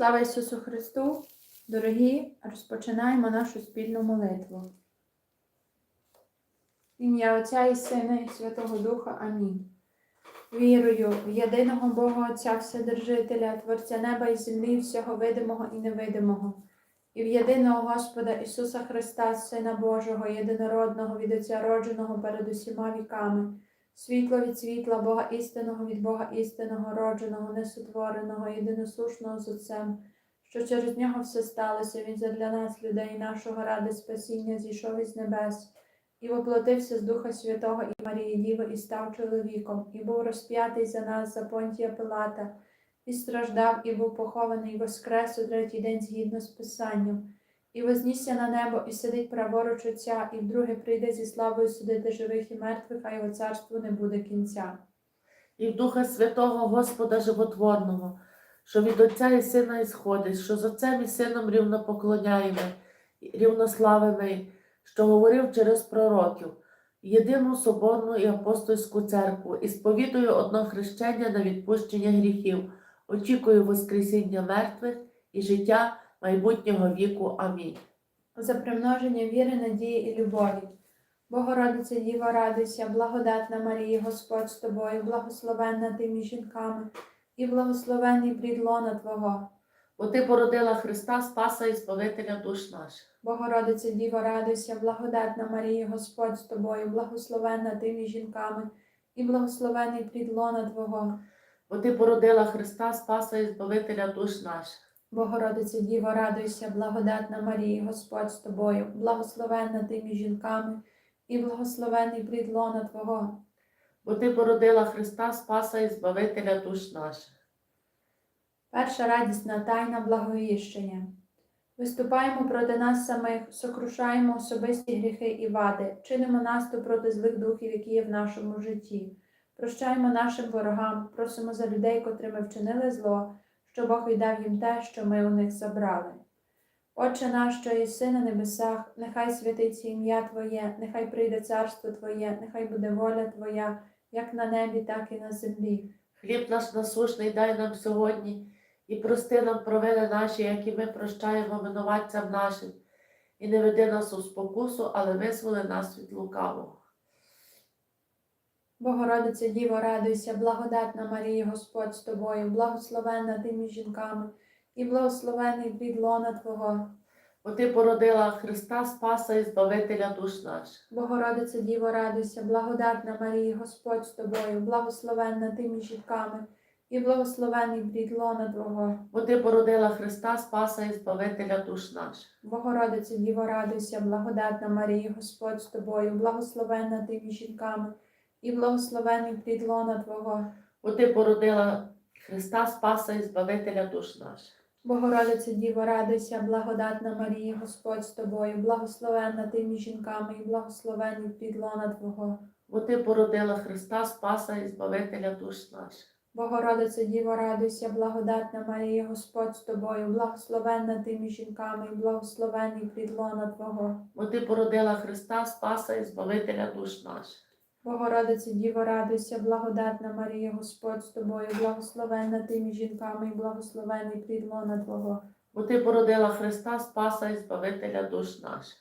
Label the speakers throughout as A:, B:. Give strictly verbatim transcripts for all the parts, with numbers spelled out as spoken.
A: Слава Ісусу Христу! Дорогі, розпочинаємо нашу спільну молитву. В ім'я Отця і Сина і Святого Духа. Амінь. Вірую в єдиного Бога Отця Вседержителя, Творця неба і землі, всього видимого і невидимого, і в єдиного Господа Ісуса Христа, Сина Божого, єдинородного, від Отця родженого перед усіма віками, світло від світла, Бога істинного від Бога істинного, родженого, несотвореного, єдиносушного з Отцем, що через нього все сталося, Він задля нас, людей нашого, ради спасіння, зійшов із небес, і воплотився з Духа Святого і Марії Діви, і став чоловіком, і був розп'ятий за нас, за Понтія Пилата, і страждав, і був похований, і воскрес у третій день згідно з Писанням, і вознісся на небо, і сидить праворуч Отця, і вдруге прийде зі славою судити живих і мертвих, а його царству не буде кінця.
B: І в Духа Святого Господа Животворного, що від Отця і Сина ісходить, що з Отцем і Сином рівно поклоняємо, рівнославимо, що говорив через пророків, єдину соборну і апостольську церкву, і сповідую одно хрещення на відпущення гріхів, очікую воскресіння мертвих і життя майбутнього віку. Амінь.
A: За примноження віри, надії і любові. Богородиця Діво, радуйся, благодатна Марія, Господь з тобою, благословенна ти між жінками, і благословенний плід лона Твого.
B: Бо ти породила Христа, Спаса і Збавителя душ наших.
A: Богородиця Діво, радуйся, благодатна Марія, Господь з тобою, благословенна ти між жінками, і благословенний плід лона Твого.
B: Бо ти породила Христа, Спаса і Збавителя душ наших.
A: Богородиця Діво, радуйся, благодатна Марія, Господь з тобою, благословенна ти між жінками, і благословенний плід лона Твого.
B: Бо ти породила Христа, Спаса і Збавителя душ наших.
A: Перша радісна тайна благовіщення. Виступаємо проти нас самих, сокрушаємо особисті гріхи і вади, чинимо наступ проти злих духів, які є в нашому житті. Прощаємо нашим ворогам, просимо за людей, котрими вчинили зло, що Бог віддав їм те, що ми у них забрали. Отче наш, що єси на небесах, нехай святиться ім'я Твоє, нехай прийде царство Твоє, нехай буде воля Твоя, як на небі, так і на землі.
B: Хліб наш насущний дай нам сьогодні, і прости нам провини наші, які ми прощаємо винуватцям нашим. І не веди нас у спокусу, але визволи нас від лукавого.
A: Богородиця Діво, радуйся, благодатна Марія, Господь з тобою, благословенна ти між жінками, і благословений плід лона Твого.
B: Бо ти породила Христа, Спаса і Збавителя душ наших.
A: Богородиця Діво, радуйся, благодатна Марія, Господь з тобою, благословенна ти між жінками, і благословений плід лона Твого.
B: Бо ти породила Христа, Спаса і Збавителя душ наших.
A: Богородиця Діво, радуйся, благодатна Марія, Господь з тобою, благословенна ти між жінками, і благословений плід лона Твого.
B: Бо ти породила Христа, Спаса і Збавителя душ наших.
A: Богородиця Діво, радуйся, благодатна Марія, Господь з тобою, благословенна ти між жінками, і благословений плід лона Твого.
B: Бо ти породила Христа, Спаса і Збавителя душ наших.
A: Богородиця Діво, радуйся, благодатна Марія, Господь з тобою, благословенна ти між жінками, і благословений плід лона Твого.
B: Бо ти породила Христа, Спаса і Збавителя душ наших.
A: Богородиця Діво, радуйся, благодатна Марія, Господь з тобою, благословенна ти між жінками, і благословений плід лона Твого.
B: Бо ти породила Христа, Спаса і Збавителя душ наших.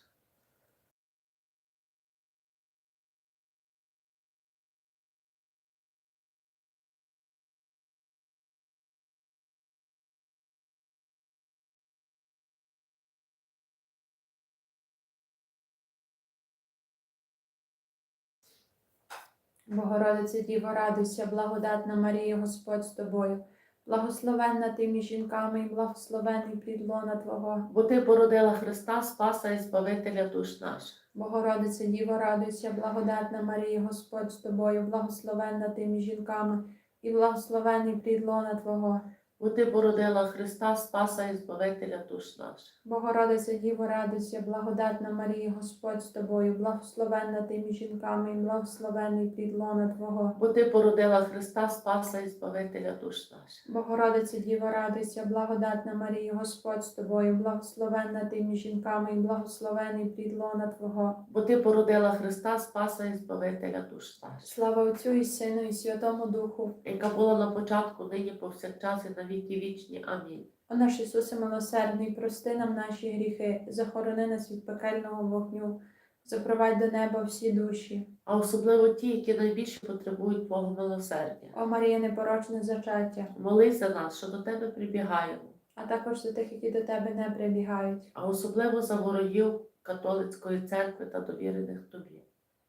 A: Богородиця Діво, радуйся, благодатна Марія, Господь з тобою, благословенна ти між жінками, і благословений плід лона Твого.
B: Бо ти породила Христа, Спаса і Збавителя душ наших.
A: Богородиця Діво, радуйся, благодатна Марія, Господь з тобою, благословенна ти між жінками, і благословений плід лона Твого.
B: Бо ти породила Христа, Спаса і Збавителя душ наших.
A: Богородиця Діво, радуйся, благодатна Марія, Господь з тобою, благословенна ти між жінками, і благословений плід лона Твого.
B: Бо ти породила Христа, Спаса і Збавителя душ наших.
A: Богородиця Діво, радуйся, благодатна Марія, Господь з тобою, благословенна ти між жінками, і благословений плід лона Твого.
B: Бо ти породила Христа, Спаса і Збавителя душ наших.
A: Слава Отцю і Сину і Святому Духу.
B: Яка була на початку, нині повсякчас і на віки вічні. Амінь.
A: О наш Ісусе милосердний, прости нам наші гріхи, захорони нас від пекельного вогню, запровадь до неба всі душі.
B: А особливо ті, які найбільше потребують Твого милосердя.
A: О Марія, непорочне зачаття,
B: Молись за нас, що до Тебе прибігаємо,
A: а також за тих, які до Тебе не прибігають.
B: а особливо за ворогів католицької церкви та довірених Тобі.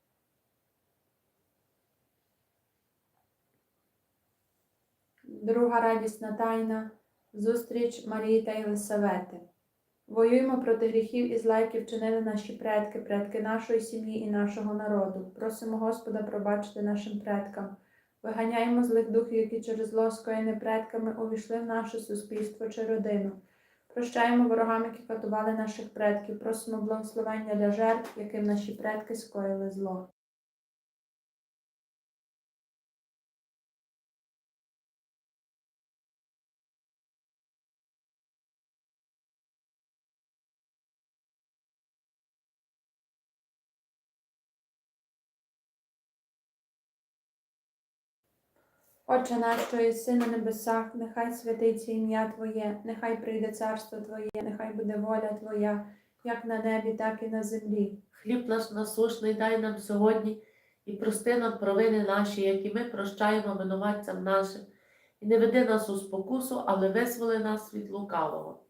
A: Друга радісна тайна – зустріч Марії та Єлисавети. Воюємо проти гріхів і зла, які вчинили наші предки, предки нашої сім'ї і нашого народу. Просимо Господа пробачити нашим предкам. Виганяємо злих духів, які через зло скоєне предками увійшли в наше суспільство чи родину. Прощаємо ворогам, які катували наших предків. Просимо благословення для жертв, яким наші предки скоїли зло. Отче наш, що єси на небесах, нехай святиться ім'я Твоє, нехай прийде царство Твоє, нехай буде воля Твоя, як на небі, так і на землі.
B: Хліб наш насущний дай нам сьогодні, і прости нам провини наші, які ми прощаємо винуватцям нашим. І не веди нас у спокусу, але визволи нас від лукавого.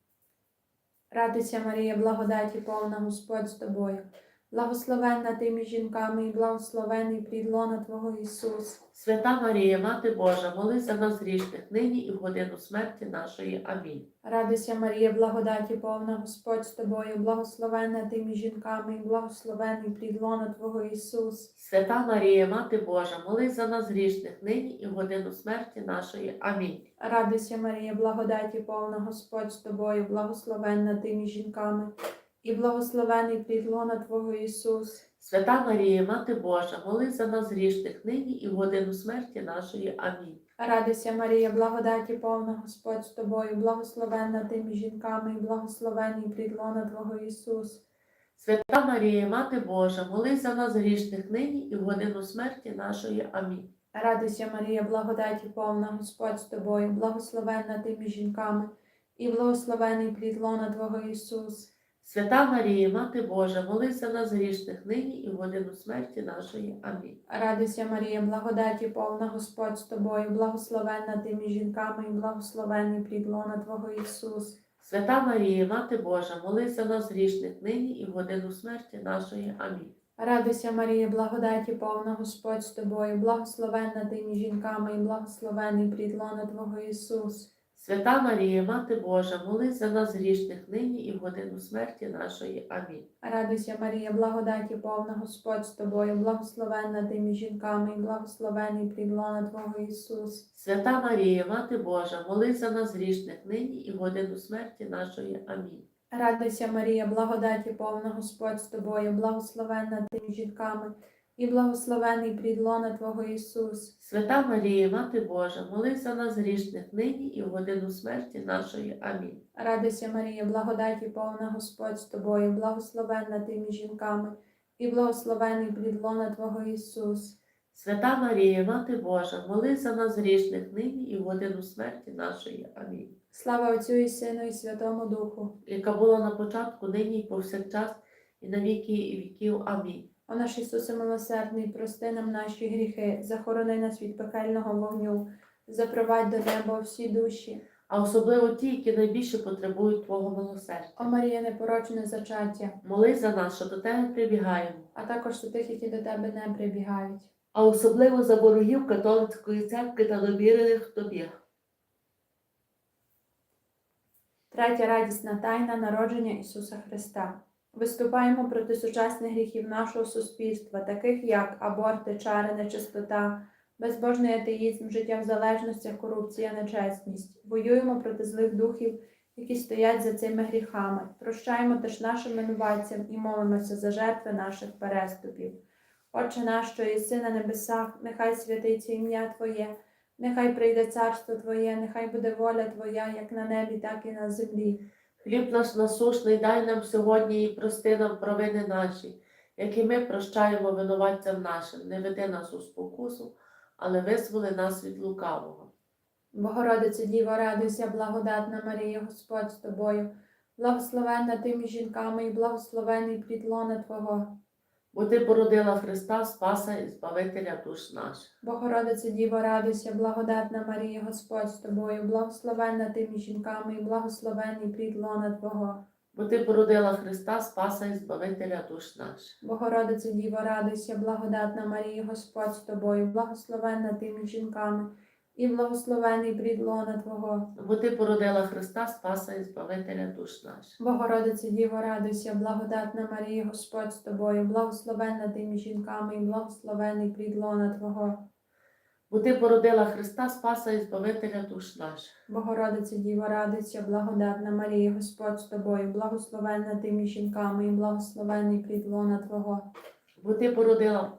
A: Радуйся, Марія, благодаті повна, Господь з тобою. Благословенна ти між жінками і благословений плід лона Твого Ісус.
B: Свята Марія, Мати Божа, молись за нас грішних, нині і в годину смерті нашої. Амінь.
A: Радуйся, Марія, благодаті повна, Господь з тобою. Благословенна ти між жінками і благословений плід лона Твого Ісус.
B: Свята Марія, Мати Божа, молись за нас грішних, нині і в годину смерті нашої. Амінь.
A: Радуйся, Марія, благодаті повна, Господь з тобою. Благословенна ти між жінками і благословений плід лона Твого Ісус.
B: Свята Марія, Мати Божа, молись за нас грішних, нині і в годину смерті нашої. Амінь.
A: Радуйся, Марія, благодаті повна, Господь з тобою. Благословенна ти між жінками і благословений плід лона Твого Ісус.
B: Свята Марія, Мати Божа, молись за нас грішних, нині і в годину смерті нашої. Амінь.
A: Радуйся, Марія, благодаті повна, Господь з тобою. Благословенна ти між жінками і благословений плід лона Твого Ісус.
B: Свята Марія, Мати Божа, молись за нас грішних, нині і в годину смерті нашої. Амінь.
A: Радуйся, Марія, благодаті повна, Господь з тобою. Благословенна ти між жінками і благословений плід лона Твого Ісус.
B: Свята Марія, Мати Божа, молись за нас грішних, нині і в годину смерті нашої. Амінь.
A: Радуйся, Марія, благодаті повна, Господь з тобою. Благословенна ти між жінками і благословений плід лона Твого Ісус.
B: Свята Марія, Мати Божа, молись за нас грішних, нині і в годину смерті нашої. Амінь.
A: Радуйся, Марія, благодаті повна, Господь з тобою. Благословенна ти між жінками і благословений плід лона Твого Ісус.
B: Свята Марія, Мати Божа, молись за нас грішних, нині і в годину смерті нашої. Амінь.
A: Радуйся, Марія, благодаті повна, Господь з тобою. Благословенна ти між жінками і благословений плід лона Твого Ісус.
B: Свята Марія, Мати Божа, молись за нас грішних, нині і в годину смерті нашої. Амінь.
A: Радуйся, Марія, благодаті повна, Господь з тобою. Благословенна ти між жінками і благословений плід лона Твого Ісус.
B: Свята Марія, Мати Божа, молись за нас грішних, нині і в годину смерті нашої. Амінь.
A: Слава Отцю і Сину і Святому Духу.
B: Яка була на початку, нині і повсякчас, і на віки і віків. Амінь.
A: О наш Ісусе милосердний, прости нам наші гріхи, захорони нас від пекельного вогню, запровадь до неба всі душі.
B: А особливо ті, які найбільше потребують Твого милосердя.
A: О Марія, непорочне зачаття,
B: Молись за нас, що до Тебе прибігаємо,
A: а також за тих, які до Тебе не прибігають.
B: а особливо за ворогів католицької церкви та довірених Тобі.
A: Третя радісна тайна народження Ісуса Христа. Виступаємо проти сучасних гріхів нашого суспільства, таких як аборти, чари, нечистота, безбожний атеїзм, життя в залежностях, корупція, нечесність. Воюємо проти злих духів, які стоять за цими гріхами. Прощаємо теж нашим винуватцям і молимося за жертви наших переступів. Отче наш, що єси на небесах, нехай святиться ім'я Твоє, нехай прийде царство Твоє, нехай буде воля Твоя, як на небі, так і на землі.
B: Хліб наш насущний дай нам сьогодні і прости нам провини наші, які ми прощаємо винуватцям нашим. Не веди нас у спокусу, але визволи нас від лукавого.
A: Богородице Діво, радуйся, благодатна Марія, Господь з тобою, благословенна ти між жінками і благословений плід лона Твого.
B: Бо ти породила Христа, Спаса і Збавителя душ наших.
A: Богородице Діво, радуйся, благодатна Марія, Господь з тобою, благословенна ти між жінками і благословений плід лона Твого.
B: Бо ти породила Христа, Спаса і Збавителя душ наших.
A: Богородице Діво, радуйся, благодатна Марія, Господь з тобою, благословенна ти між жінками і благословений плід лона Твого.
B: Бо ти породила Христа, Спаса і Збавителя душ наших.
A: Богородице Діво, радуйся, благодатна Марія, Господь з тобою, благословенна ти між жінками і благословений плід лона Твого.
B: Бо ти породила Христа, Спаса і Збавителя душ наших.
A: Богородице Діво, радуйся, благодатна Марія, Господь з тобою, благословенна ти між жінками і благословений плід лона Твого.
B: Бо ти породила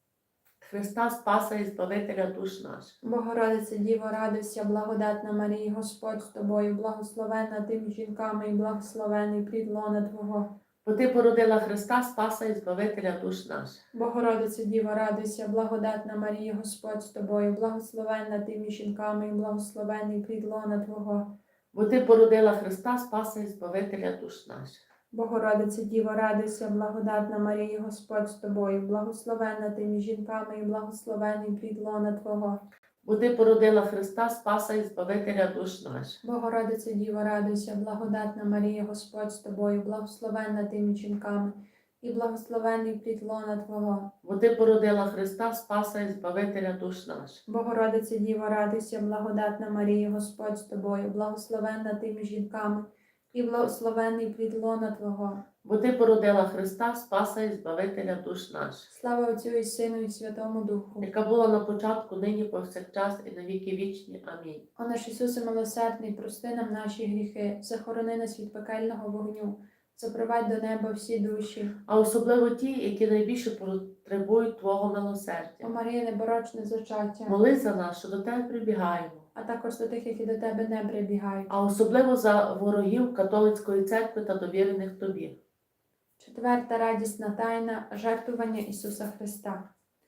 B: Христа, Спаса і Збавителя душ наших.
A: Богородице Діво, радуйся, благодатна Марія, Господь з тобою, благословенна ти між жінками і благословений плід лона Твого.
B: Бо ти породила Христа, Спаса і Збавителя душ наших.
A: Богородице Діво, радуйся, благодатна Марія, Господь з тобою, благословенна ти між жінками і благословений плід лона Твого.
B: Бо ти породила Христа, Спаса і Збавителя душ наших.
A: Богородице Діво, радуйся, благодатна Марія, Господь з тобою, благословенна ти між жінками і благословений плід лона Твого.
B: Бо ти породила Христа, Спаса і Збавителя душ наших.
A: Богородице Діво, радуйся, благодатна Марія, Господь з тобою, благословенна ти між жінками і благословений плід лона Твого.
B: Бо ти породила Христа, Спаса і Збавителя душ наших.
A: Богородице Діво, радуйся, благодатна Марія, Господь з тобою, благословенна ти між жінками і благословений плід лона Твого.
B: Бо ти породила Христа, Спаса і Збавителя душ наших.
A: Слава Отцю і Сину і Святому Духу.
B: Яка була на початку, нині повсякчас і на віки вічні. Амінь.
A: О наш Ісусе милосердний, прости нам наші гріхи, захорони нас від пекельного вогню, запровадь до неба всі душі.
B: А особливо ті, які найбільше потребують Твого
A: О
B: милосердя.
A: Марія, непорочне зачаття,
B: Молись за нас, що до Тебе прибігаємо.
A: а також до тих, які до Тебе не прибігають.
B: А особливо за ворогів католицької церкви та довірених Тобі.
A: Четверта радісна тайна – жертвування Ісуса Христа.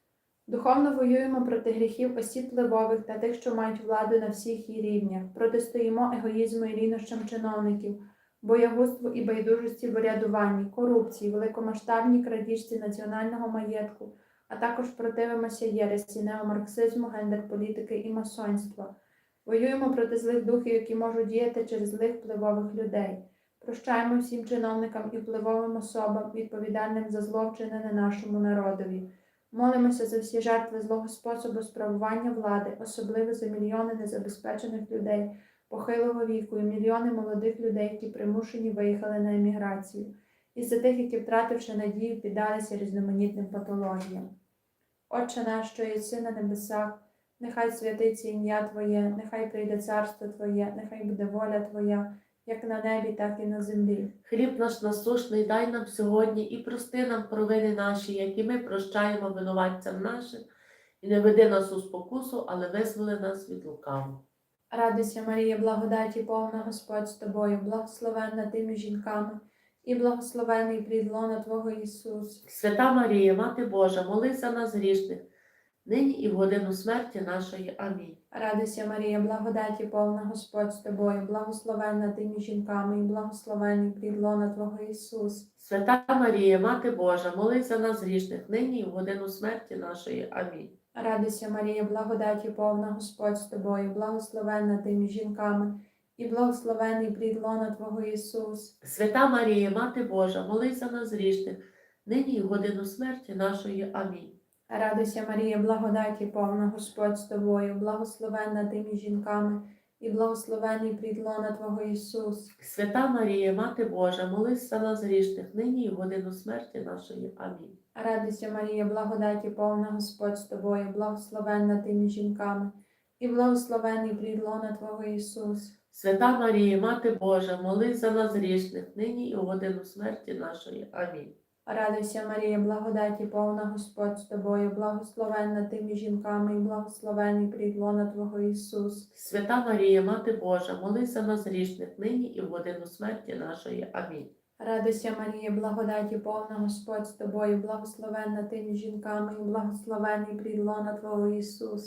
A: Духовно воюємо проти гріхів осіб впливових та тих, що мають владу на всіх її рівнях. Протистоїмо егоїзму і рівнощам чиновників, боягузтву і байдужості в урядуванні, корупції, великомасштабній крадіжці національного маєтку, а також противимося єресі, неомарксизму, гендер-політики і масонства. Воюємо проти злих духів, які можуть діяти через злих впливових людей. Прощаємо всім чиновникам і впливовим особам, відповідальним за зло, вчинене нашому народові. Молимося за всі жертви злого способу справування влади, особливо за мільйони незабезпечених людей похилого віку і мільйони молодих людей, які примушені виїхали на еміграцію, і за тих, які, втративши надію, піддалися різноманітним патологіям. Отче наш, що єси на небесах, нехай святиться ім'я Твоє, нехай прийде царство Твоє, нехай буде воля Твоя, як на небі, так і на землі.
B: Хліб наш насущний дай нам сьогодні і прости нам провини наші, які ми прощаємо винуватцям нашим, і не веди нас у спокусу, але визволи нас від лукавого.
A: Радуйся, Марія, благодаті повна Господь з тобою, благословенна ти між жінками, і благословений плід лона Твого Ісус.
B: Свята Марія, Мати Божа, молись за нас грішних, нині і в годину смерті нашої. Амінь.
A: Радуйся, Марія, благодаті повна Господь з тобою, благословенна ти між жінками, і благословений плід лона Твого Ісус.
B: Свята Марія, Мати Божа, молись за нас грішних, нині і в годину смерті нашої. Амінь.
A: Радуйся, Марія, благодаті повна Господь з тобою, благословенна ти між жінками, і благословений плід лона Твого Ісус.
B: Свята Марія, Мати Божа, молись за нас грішних, нині і в годину смерті нашої. Амінь.
A: Радуйся, Марія, благодаті повна Господь з тобою, благословенна ти між жінками, і благословений плід лона Твого Ісус.
B: Свята Марія, Мати Божа, молись за нас грішних, нині і в годину смерті нашої. Амінь.
A: Радуйся, Марія, благодаті повна Господь з тобою, благословенна ти між жінками, і благословений плід лона Твого Ісус.
B: Свята Марія, Мати Божа, молись за нас грішних, нині і в годину смерті нашої. Амінь.
A: Радуйся, Марія, благодаті повна Господь з тобою, благословенна ти між жінками, і благословений плід лона Твого Ісус.
B: Свята Марія, Мати Божа, молись за нас грішних, нині і в годину смерті нашої. Амінь.
A: Радуйся, Марія, благодаті повна Господь з тобою, благословенна ти між жінками, і благословений плід лона Твого Ісус.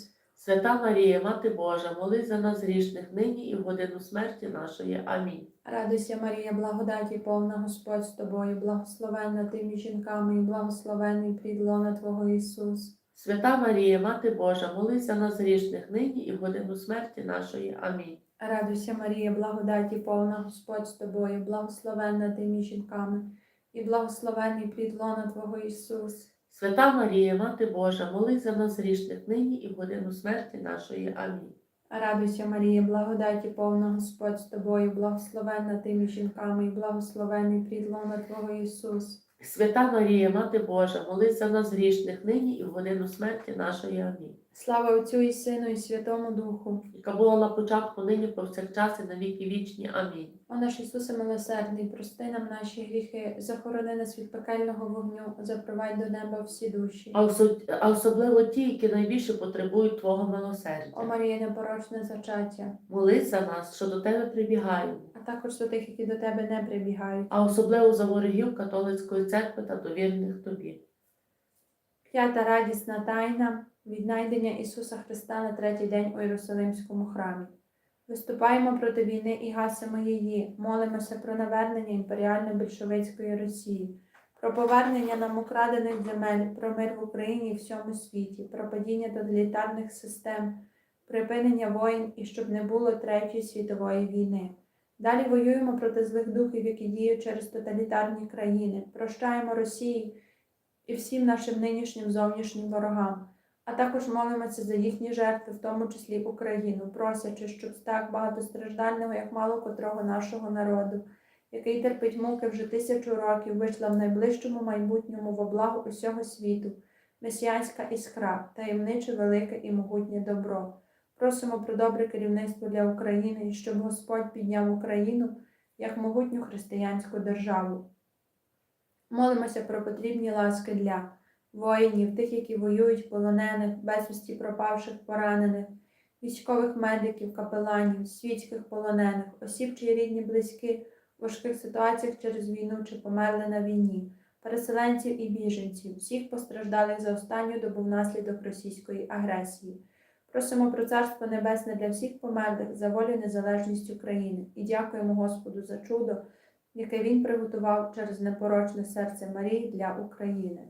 B: Свята Марія, Мати Божа, молись за нас грішних нині і в годину смерті нашої. Амінь.
A: Радуйся, Марія, благодаті повна, Господь з тобою, благословенна ти між жінками, і благословенний плід лона Твого Ісус.
B: Свята Марія, Мати Божа, молись за нас грішних нині і в годину смерті нашої. Амінь.
A: Радуйся, Марія, благодаті повна, Господь з тобою, благословенна ти між жінками, і благословенний плід лона Твого Ісус.
B: Свята Марія, Мати Божа, молись за нас грішних нині і в годину смерті нашої. Амінь.
A: Радуйся, Марія, благодаті повна, Господь з тобою, благословенна ти між жінками, і благословенний плід лона Твого Ісус.
B: Свята Марія, Мати Божа, молись за нас грішних нині і в годину смерті нашої. Амінь.
A: Слава Отцю і Сину, і Святому Духу.
B: Яка була на початку, нині, повсякчас і на віки вічні. Амінь.
A: О наш Ісусе милосердний, прости нам наші гріхи, захорони нас від пекельного вогню, запровадь до неба всі душі.
B: А осо- а особливо ті, які найбільше потребують Твого
A: О
B: милосердя.
A: Марія, непорочне зачаття,
B: Молись за нас, що до Тебе прибігаємо,
A: а також за тих, які до тебе не прибігають.
B: а особливо за ворогів католицької церкви та довірних Тобі.
A: П'ята радісна тайна – віднайдення Ісуса Христа на третій день у Єрусалимському храмі. Виступаємо проти війни і гасимо її, молимося про навернення імперіально-більшовицької Росії, про повернення нам украдених земель, про мир в Україні і всьому світі, про падіння тоталітарних систем, припинення воїн і щоб не було Третьої світової війни. Далі воюємо проти злих духів, які діють через тоталітарні країни, прощаємо Росії і всім нашим нинішнім зовнішнім ворогам, а також молимося за їхні жертви, в тому числі Україну, просячи, щоб з так багатостраждального, як мало котрого нашого народу, який терпить муки вже тисячу років, вийшла в найближчому майбутньому во благо усього світу, месіанська іскра, таємниче, велике і могутнє добро. Просимо про добре керівництво для України і щоб Господь підняв Україну як могутню християнську державу. Молимося про потрібні ласки для воїнів, тих, які воюють, полонених, безвісті пропавших, поранених, військових медиків, капеланів, світських полонених, осіб, чиї рідні близькі в важких ситуаціях через війну чи померли на війні, переселенців і біженців, всіх постраждалих за останню добу внаслідок російської агресії. Просимо про Царство Небесне для всіх померлих за волю і незалежність України і дякуємо Господу за чудо, яке Він приготував через непорочне серце Марії для України.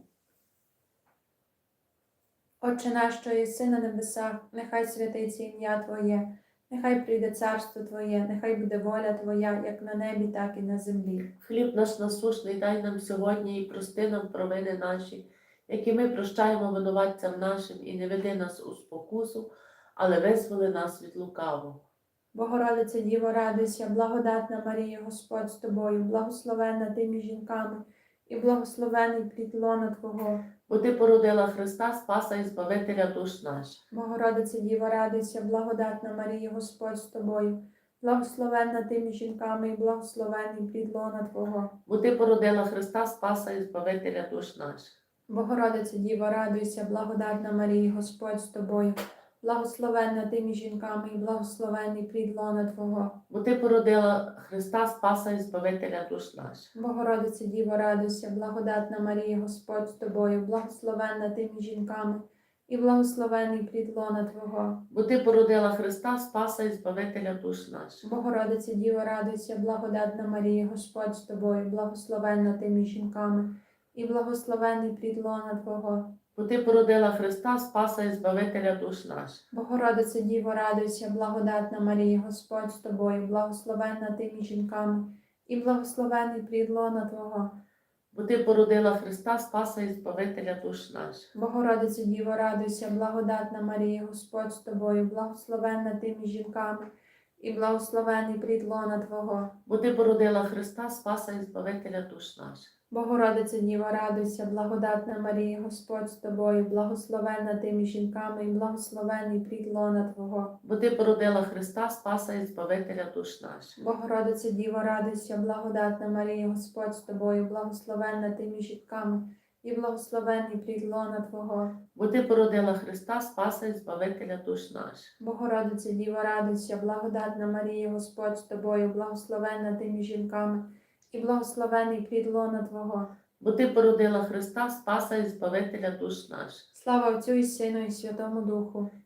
A: Отче наш, що єси на небесах, нехай святиться ім'я Твоє, нехай прийде царство Твоє, нехай буде воля Твоя, як на небі, так і на землі.
B: Хліб наш насущний дай нам сьогодні і прости нам провини наші, які ми прощаємо винуватцям нашим, і не веди нас у спокусу, але визволи нас від лукавого.
A: Богородице Діво, радуйся, благодатна Марія, Господь з тобою, благословенна ти між жінками, і благословений плід лона Твого.
B: Бо Ти породила Христа, Спаса і Збавителя душ наших.
A: Богородице Діво, радуйся, благодатна Марія, Господь з тобою, благословенна ти між жінками, і благословений плід лона Твого.
B: Бо Ти породила Христа, Спаса і Збавителя душ наших.
A: Богородице Діво, радуйся, благодатна Марія, Господь з тобою, благословенна ти між жінками, і благословений плід лона Твого.
B: Бо Ти породила Христа, Спаса і Збавителя душ наших.
A: Богородице Діво, радуйся, благодатна Марія, Господь з тобою, благословенна ти між жінками, і благословений плід лона Твого.
B: Бо Ти породила Христа, Спаса і Збавителя душ наших.
A: Богородице Діво, радуйся, благодатна Марія, Господь з тобою, благословенна ти між жінками, і благословений плід лона Твого.
B: Бо Ти породила Христа, Спаса і Збавителя душ наших.
A: Богородице Діво, радуйся, благодатна Марія, Господь з тобою, благословенна ти між жінками, і благословений плід лона Твого.
B: Бо Ти породила Христа, Спаса і Збавителя душ наших.
A: Богородице Діво, радуйся, благодатна Марія, Господь з тобою, благословенна ти між жінками, і благословений плід лона Твого.
B: Бо Ти породила Христа, Спаса і Збавителя душ наших.
A: Богородице Діво, радуйся, благодатна Марія, Господь з тобою, благословенна ти між жінками, і благословений плід лона Твого.
B: Бо Ти породила Христа, Спаса і Збавителя душ наших.
A: Богородице Діво, радуйся, благодатна Марія, Господь з тобою, благословенна ти між жінками, і благословений плід лона Твого.
B: Бо Ти породила Христа, Спаса і Збавителя душ наших.
A: Богородице Діво, радуйся, благодатна Марія, Господь з тобою, благословенна ти між жінками, і благословений плід лона Твого.
B: Бо Ти породила Христа, Спаса і Збавителя душ наших.
A: Слава Отцю і Сину і Святому Духу.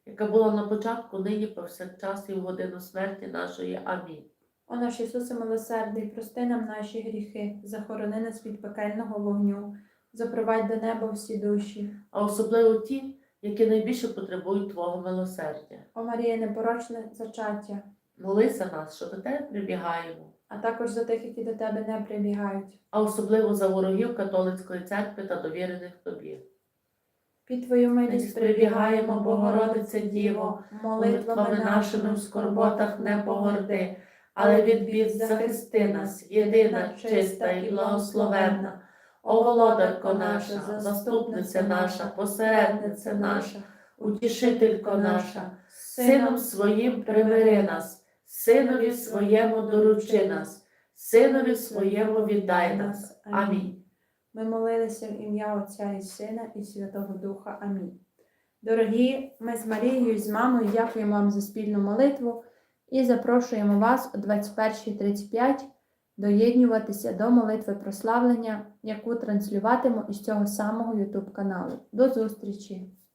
B: яка була на початку, нині, повсякчас і в годину смерті нашої. Амінь.
A: О наш Ісусе милосердний, прости нам наші гріхи, захорони нас від пекельного вогню, запровадь до неба всі душі.
B: А особливо ті, які найбільше потребують Твого милосердя.
A: О Марія, непорочне зачаття,
B: Молися нас, що до Тебе прибігаємо,
A: а також за тих, які до тебе не прибігають.
B: а особливо за ворогів католицької церкви та довірених Тобі.
A: Під Твою милість
B: Милість
A: прибігаємо,
B: прибігаємо,
A: Богородице Діво, молитвами нашими в скорботах не погорди,
B: але від бід захисти нас, єдина, чиста і благословенна. О, володарко наша, заступниця наша, посередниця наша, утішителько наша, Сином своїм примири нас, Синові своєму доручи нас, Синові своєму віддай нас. Амінь.
A: Ми молилися в ім'я Отця і Сина і Святого Духа. Амінь. Дорогі, ми з Марією і з мамою дякуємо вам за спільну молитву і запрошуємо вас о двадцять першій тридцять п'ять доєднюватися до молитви прославлення, яку транслюватиму із цього самого ютуб каналу. До зустрічі!